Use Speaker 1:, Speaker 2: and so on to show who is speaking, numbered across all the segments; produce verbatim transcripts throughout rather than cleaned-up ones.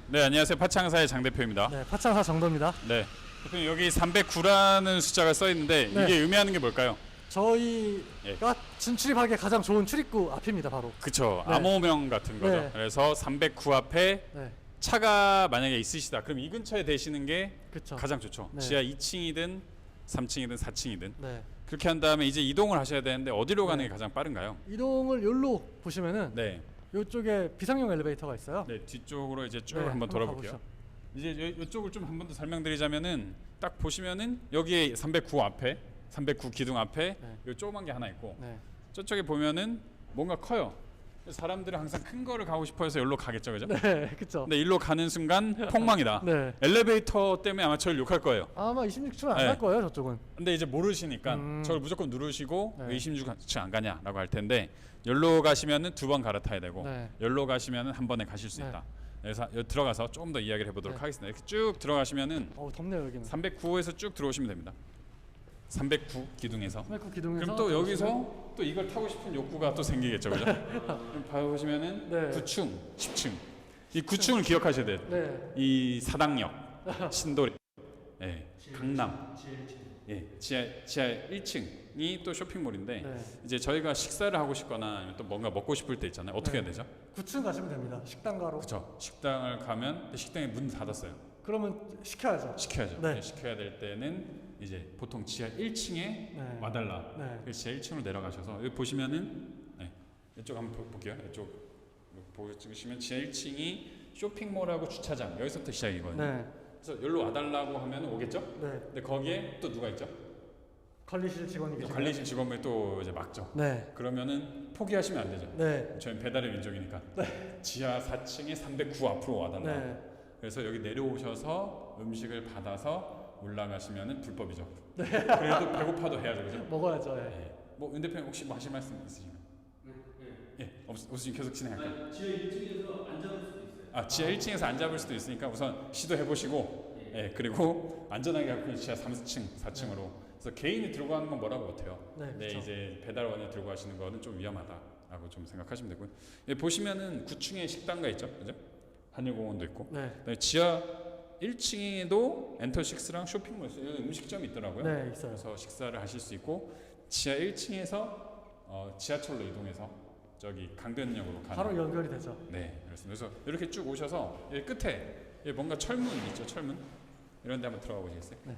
Speaker 1: 네, 안녕하세요. 파창사의 장 대표입니다.
Speaker 2: 네, 파창사 정도입니다.
Speaker 1: 네, 대표님 여기 삼백구라는 숫자가 써 있는데
Speaker 2: 네.
Speaker 1: 이게 의미하는 게 뭘까요?
Speaker 2: 저희가
Speaker 1: 예.
Speaker 2: 진출입하기에 가장 좋은 출입구 앞입니다, 바로.
Speaker 1: 그쵸,
Speaker 2: 네.
Speaker 1: 암호명 같은 거죠.
Speaker 2: 네.
Speaker 1: 그래서 삼백구 앞에
Speaker 2: 네,
Speaker 1: 차가 만약에 있으시다. 그럼 이 근처에 대시는 게
Speaker 2: 그렇죠.
Speaker 1: 가장 좋죠.
Speaker 2: 네.
Speaker 1: 지하 이 층이든 삼 층이든 사 층이든
Speaker 2: 네,
Speaker 1: 그렇게 한 다음에 이제 이동을 하셔야 되는데 어디로 가는
Speaker 2: 네.
Speaker 1: 게 가장 빠른가요?
Speaker 2: 이동을 여기로 보시면은
Speaker 1: 네,
Speaker 2: 이쪽에 비상용 엘리베이터가 있어요.
Speaker 1: 네 뒤쪽으로 이제 쭉
Speaker 2: 네,
Speaker 1: 한번
Speaker 2: 한번
Speaker 1: 돌아볼게요.
Speaker 2: 가보시죠.
Speaker 1: 이제 이쪽을 좀 한 번 더 설명드리자면은 딱 보시면은 여기에 삼백구 앞에 삼백구 기둥 앞에
Speaker 2: 네.
Speaker 1: 요 조그만 게 하나 있고
Speaker 2: 네,
Speaker 1: 저쪽에 보면은 뭔가 커요. 사람들은 항상 큰 거를 가고 싶어해서 여기로 가겠죠, 그죠?
Speaker 2: 네, 그렇죠.
Speaker 1: 근데 일로 가는 순간 폭망이다.
Speaker 2: 네,
Speaker 1: 엘리베이터 때문에 아마 저를 욕할 거예요.
Speaker 2: 아마 이십육 층은
Speaker 1: 네.
Speaker 2: 안 갈 거예요, 저쪽은.
Speaker 1: 근데 이제 모르시니까
Speaker 2: 음.
Speaker 1: 저걸 무조건 누르시고
Speaker 2: 네.
Speaker 1: 왜 이십육 층 안 가냐라고 할 텐데 여기로 가시면은 두 번 갈아타야 되고
Speaker 2: 네.
Speaker 1: 여기로 가시면은 한 번에 가실 수
Speaker 2: 네.
Speaker 1: 있다. 그래서 여기 들어가서 조금 더 이야기를 해보도록
Speaker 2: 네.
Speaker 1: 하겠습니다. 이렇게 쭉 들어가시면은
Speaker 2: 어우, 덥네요, 여기는.
Speaker 1: 삼백구호에서 쭉 들어오시면 됩니다. 삼백구 기둥에서.
Speaker 2: 삼백구 기둥에서.
Speaker 1: 그럼 또 여기서 또 이걸 타고 싶은 욕구가 또 생기겠죠, 그죠? 그럼 봐보시면은
Speaker 2: 네.
Speaker 1: 구 층, 십 층. 이 구 층을 기억하셔야 돼요.
Speaker 2: 네,
Speaker 1: 이 사당역, 신도리, 예, 강남, 예, 지하 지하 일 층이 또 쇼핑몰인데
Speaker 2: 네.
Speaker 1: 이제 저희가 식사를 하고 싶거나 아니면 또 뭔가 먹고 싶을 때 있잖아요. 어떻게
Speaker 2: 네.
Speaker 1: 해야 되죠?
Speaker 2: 구 층 가시면 됩니다. 식당 가로.
Speaker 1: 그렇죠. 식당을 가면 식당에 문 닫았어요.
Speaker 2: 그러면 시켜야죠.
Speaker 1: 시켜야죠.
Speaker 2: 네.
Speaker 1: 네, 시켜야 될 때는 이제 보통 지하 일 층에
Speaker 2: 네.
Speaker 1: 와달라.
Speaker 2: 네.
Speaker 1: 그래서 지하 일 층으로 내려가셔서 여기 보시면은 네, 이쪽 한번 보- 볼게요. 이쪽 보여 찍으시면 지하 일 층이 쇼핑몰하고 주차장 여기서부터 시작이거든요.
Speaker 2: 네,
Speaker 1: 그래서 여기로 와달라고 하면 오겠죠?
Speaker 2: 네.
Speaker 1: 근데 거기에 또 누가 있죠?
Speaker 2: 관리실 직원이
Speaker 1: 또
Speaker 2: 계시죠.
Speaker 1: 관리실 직원분이 또 이제 막죠.
Speaker 2: 네,
Speaker 1: 그러면은 포기하시면 안 되죠.
Speaker 2: 네,
Speaker 1: 저희는 배달의 민족이니까. 지하 사 층에 삼백구 앞으로 와달라.
Speaker 2: 네.
Speaker 1: 그래서 여기 내려오셔서 음식을 받아서 올라가시면은 불법이죠. 그래도 배고파도 해야죠, 그죠?
Speaker 2: 먹어야죠. 예.
Speaker 1: 네. 뭐윤 대표님 혹시 뭐 하실 말씀 있으신가요?
Speaker 3: 네, 네.
Speaker 1: 예, 없, 없으시면 계속 진행할게요.
Speaker 3: 아, 지하 일 층에서 안 잡을 수도 있어요.
Speaker 1: 아, 지하 일 층에서 안 잡을 수도 있으니까 우선 시도해 보시고, 예, 그리고 안전하게 갖고 지하 삼 층, 사 층으로. 그래서 개인이 들고 가는 건 뭐라고 못해요.
Speaker 2: 네,
Speaker 1: 근데
Speaker 2: 그쵸.
Speaker 1: 이제 배달원이 들고 가시는 거는 좀 위험하다라고 좀 생각하시면 되고요. 예, 보시면은 구 층에 식당가 있죠, 그죠? 한일공원도 있고.
Speaker 2: 네,
Speaker 1: 그다음에 지하 일 층에도 엔터식스랑 쇼핑몰 있어요. 여기 음식점이 있더라고요.
Speaker 2: 네, 있어요.
Speaker 1: 그래서 식사를 하실 수 있고 지하 일 층에서 어, 지하철로 이동해서 저기 강변역으로 가는.
Speaker 2: 바로 연결이 되죠.
Speaker 1: 네, 그렇습니다. 그래서 이렇게 쭉 오셔서 여기 끝에 여기 뭔가 철문 있죠, 철문. 이런 데 한번 들어가 보시겠어요?
Speaker 2: 네.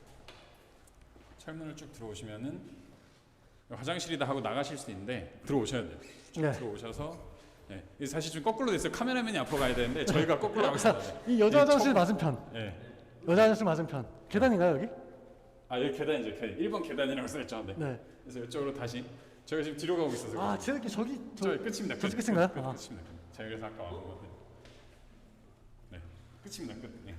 Speaker 1: 철문을 쭉 들어오시면은 화장실이다 하고 나가실 수 있는데 들어오셔야 돼요. 쭉
Speaker 2: 네.
Speaker 1: 들어오셔서 네. 이게 사실 좀 거꾸로 됐어요. 카메라맨이 앞으로 가야 되는데 저희가 거꾸로 가고 있습니다.
Speaker 2: 이 여자
Speaker 1: 이
Speaker 2: 화장실
Speaker 1: 첫-
Speaker 2: 맞은편.
Speaker 1: 네.
Speaker 2: 여자 화장실 맞은편. 계단인가요, 여기?
Speaker 1: 아 여기 계단이죠. 계단. 일 번 계단이라고 써있죠. 네.
Speaker 2: 네.
Speaker 1: 그래서 이쪽으로 다시 저희가 지금 뒤로 가고 있어서
Speaker 2: 아, 제 느낌 저기 저
Speaker 1: 저희 끝입니다.
Speaker 2: 저쪽
Speaker 1: 끝.
Speaker 2: 끝인가요?
Speaker 1: 끝, 끝,
Speaker 2: 아.
Speaker 1: 끝입니다. 끝. 제가 그래서 아까 왔던 건데. 네, 끝입니다. 끝. 네.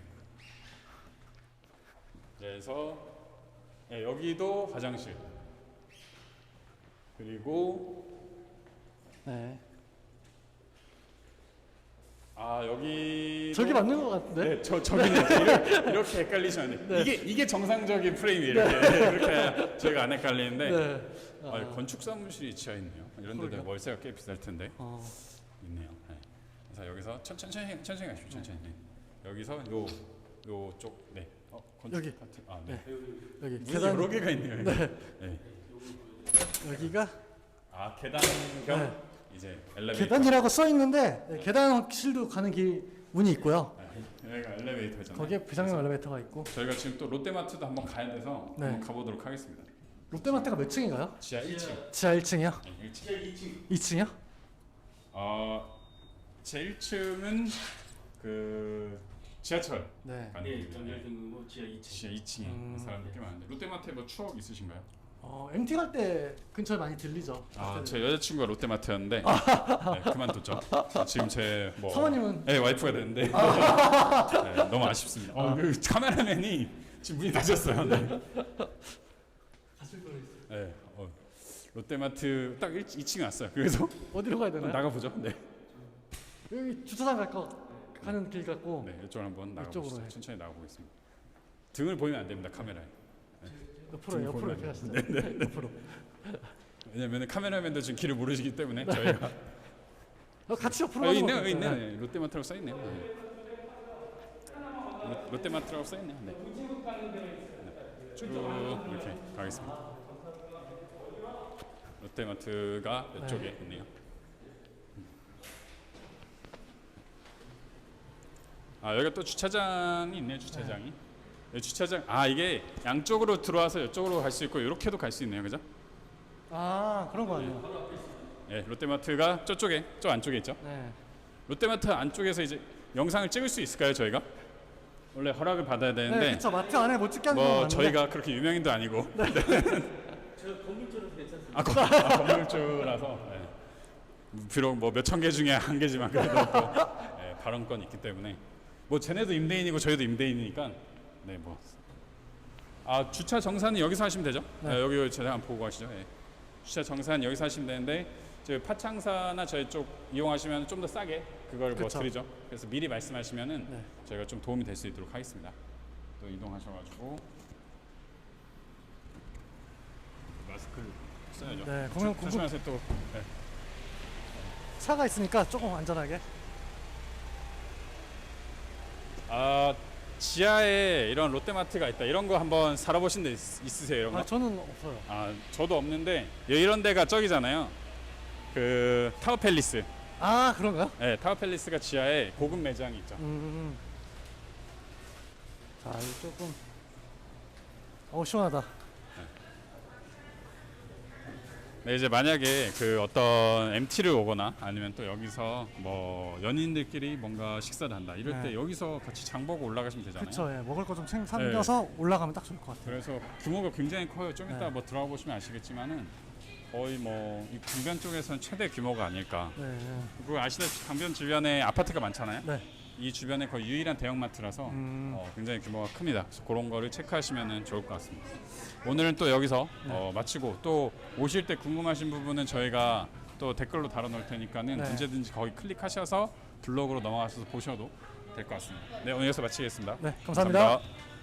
Speaker 1: 그래서 네, 여기도 화장실. 그리고
Speaker 2: 네.
Speaker 1: 아 여기
Speaker 2: 저기 맞는 것 같은데.
Speaker 1: 네, 저 저기는 이렇게, 이렇게 헷갈리시면 안 돼요.
Speaker 2: 네.
Speaker 1: 이게 이게 정상적인 프레임이에요. 이렇게 이렇게 해야 저희가 안 헷갈리는데.
Speaker 2: 네.
Speaker 1: 아, 건축 사무실이 지하에 있네요. 이런 데도
Speaker 2: 그러게요.
Speaker 1: 월세가 꽤 비쌀 텐데
Speaker 2: 어.
Speaker 1: 있네요. 네. 그래서 여기서 천, 천천히 천천히 가시죠. 천천히. 네. 여기서 요 요쪽 네. 어, 건축
Speaker 2: 여기.
Speaker 1: 파트. 아, 네.
Speaker 2: 여기
Speaker 1: 문이
Speaker 2: 계단
Speaker 1: 여러 개가 있네요. 여기.
Speaker 2: 네.
Speaker 1: 네.
Speaker 2: 여기가
Speaker 1: 아, 계단 겸
Speaker 2: 네.
Speaker 1: 이제 엘리베이터.
Speaker 2: 계단이라고 써 있는데 네, 계단실도 가는 길 문이 있고요.
Speaker 1: 네. 여기가 엘리베이터잖아요.
Speaker 2: 거기에 비상용 엘리베이터가 있고.
Speaker 1: 저희가 지금 또 롯데마트도 한번 가야 돼서
Speaker 2: 네.
Speaker 1: 한번 가보도록 하겠습니다.
Speaker 2: 롯데마트가 몇 층인가요?
Speaker 1: 지하 일 층.
Speaker 2: 지하 일 층이요?
Speaker 1: 네, 일 층.
Speaker 3: 지하 이 층.
Speaker 2: 이 층이요?
Speaker 1: 어, 제 일 층은 그 지하철
Speaker 2: 네.
Speaker 1: 가는
Speaker 3: 네,
Speaker 1: 길입니다.
Speaker 3: 연결등으로 지하 이 층.
Speaker 1: 지하 이 층에
Speaker 2: 음.
Speaker 1: 사람들 꽤 많은데 롯데마트에 뭐 추억 있으신가요?
Speaker 2: 어, 엠티 갈 때 근처에 많이 들리죠.
Speaker 1: 아, 제 여자친구가 롯데마트였는데 네, 그만뒀죠. 지금 제뭐
Speaker 2: 사모님은?
Speaker 1: 네, 와이프가 됐는데 네, 너무 아쉽습니다. 어, 그 카메라맨이 지금 문이 닫혔어요. 네.
Speaker 3: 갔을 뻔했어요.
Speaker 1: 네, 어, 롯데마트 딱 이 층에 왔어요. 그래서
Speaker 2: 어디로 가야 되나요?
Speaker 1: 나가보죠. 네,
Speaker 2: 여기 주차장 갈 거 가는 길 같고.
Speaker 1: 네, 이쪽으로 한번
Speaker 2: 이쪽으로
Speaker 1: 나가보시죠.
Speaker 2: 해.
Speaker 1: 천천히 나가보겠습니다. 등을 보이면 안 됩니다. 카메라에.
Speaker 2: 옆으로 옆으로 이렇게 하시죠. 네, 옆으로.
Speaker 1: 왜냐면 카메라맨도 지금 길을 모르시기 때문에 저희가
Speaker 2: 어, 같이 옆으로
Speaker 1: 아, 여기
Speaker 2: 가는
Speaker 1: 있네요.
Speaker 2: 거
Speaker 1: 여기
Speaker 2: 같아요.
Speaker 1: 있네요. 네, 롯데마트라고 써 있네요. 네. 롯- 롯데마트라고 써 있네요. 네. 네. 쭉 이렇게 가겠습니다. 롯데마트가 이쪽에
Speaker 2: 네.
Speaker 1: 있네요. 아 여기가 또 주차장이 있네요. 주차장이. 네, 주차장. 아 이게 양쪽으로 들어와서 이쪽으로 갈 수 있고 이렇게도 갈 수 있네요. 그죠?
Speaker 2: 아 그런 거 아니에요?
Speaker 1: 네, 롯데마트가 저쪽에, 저 안쪽에 있죠.
Speaker 2: 네.
Speaker 1: 롯데마트 안쪽에서 이제 영상을 찍을 수 있을까요, 저희가? 원래 허락을 받아야
Speaker 2: 네,
Speaker 1: 되는데
Speaker 2: 그쵸. 마트 안에 못 찍게 하는 건
Speaker 1: 뭐
Speaker 2: 맞는데.
Speaker 1: 저희가 그렇게 유명인도 아니고
Speaker 3: 저 건물주라서 괜찮습니다.
Speaker 1: 아, 건- 아 건물주라서 네. 비록 뭐 몇천 개 중에 한 개지만 그래도 또 네, 발언권이 있기 때문에 뭐 쟤네도 임대인이고 저희도 임대인이니까 네 뭐. 아 주차 정산은 여기서 하시면 되죠?
Speaker 2: 네.
Speaker 1: 네, 여기 제가 한번 보고 가시죠. 네. 주차 정산 여기서 하시면 되는데 저희 파창사나 저희 쪽 이용하시면 좀 더 싸게 그걸 뭐
Speaker 2: 그쵸.
Speaker 1: 드리죠. 그래서 미리 말씀하시면은
Speaker 2: 네.
Speaker 1: 저희가 좀 도움이 될 수 있도록 하겠습니다. 또 이동하셔가지고 마스크를 써야죠.
Speaker 2: 네,
Speaker 1: 조-
Speaker 2: 공연 공급
Speaker 1: 조심하세요 또. 네.
Speaker 2: 차가 있으니까 조금 안전하게.
Speaker 1: 아 지하에 이런 롯데마트가 있다. 이런 거 한번 살아보신 데 있, 있으세요? 이런 거?
Speaker 2: 아 저는 없어요.
Speaker 1: 아 저도 없는데 이런 데가 저기잖아요. 그 타워 팰리스.
Speaker 2: 아 그런가요?
Speaker 1: 네, 타워 팰리스가 지하에 고급 매장이 있죠.
Speaker 2: 음. 자, 이 조금. 어 시원하다.
Speaker 1: 네, 이제 만약에 그 어떤 엠티를 오거나 아니면 또 여기서 뭐 연인들끼리 뭔가 식사를 한다 이럴 때
Speaker 2: 네.
Speaker 1: 여기서 같이 장 보고 올라가시면 되잖아요.
Speaker 2: 그쵸. 예, 먹을 거 좀 챙겨서 올라가면 딱 좋을 것 같아요.
Speaker 1: 그래서 규모가 굉장히 커요. 좀 이따
Speaker 2: 네.
Speaker 1: 뭐 들어가 보시면 아시겠지만은 거의 뭐 이 강변 쪽에서는 최대 규모가 아닐까.
Speaker 2: 네, 네.
Speaker 1: 그리고 아시다시피 강변 주변에 아파트가 많잖아요.
Speaker 2: 네.
Speaker 1: 이 주변에 거의 유일한 대형마트라서
Speaker 2: 음.
Speaker 1: 어, 굉장히 규모가 큽니다. 그래서 그런 거를 체크하시면 좋을 것 같습니다. 오늘은 또 여기서
Speaker 2: 네.
Speaker 1: 어, 마치고 또 오실 때 궁금하신 부분은 저희가 또 댓글로 달아놓을 테니까는
Speaker 2: 네.
Speaker 1: 언제든지 거기 클릭하셔서 블로그로 넘어가셔서 보셔도 될 것 같습니다. 네, 오늘 여기서 마치겠습니다.
Speaker 2: 네, 감사합니다.
Speaker 1: 감사합니다.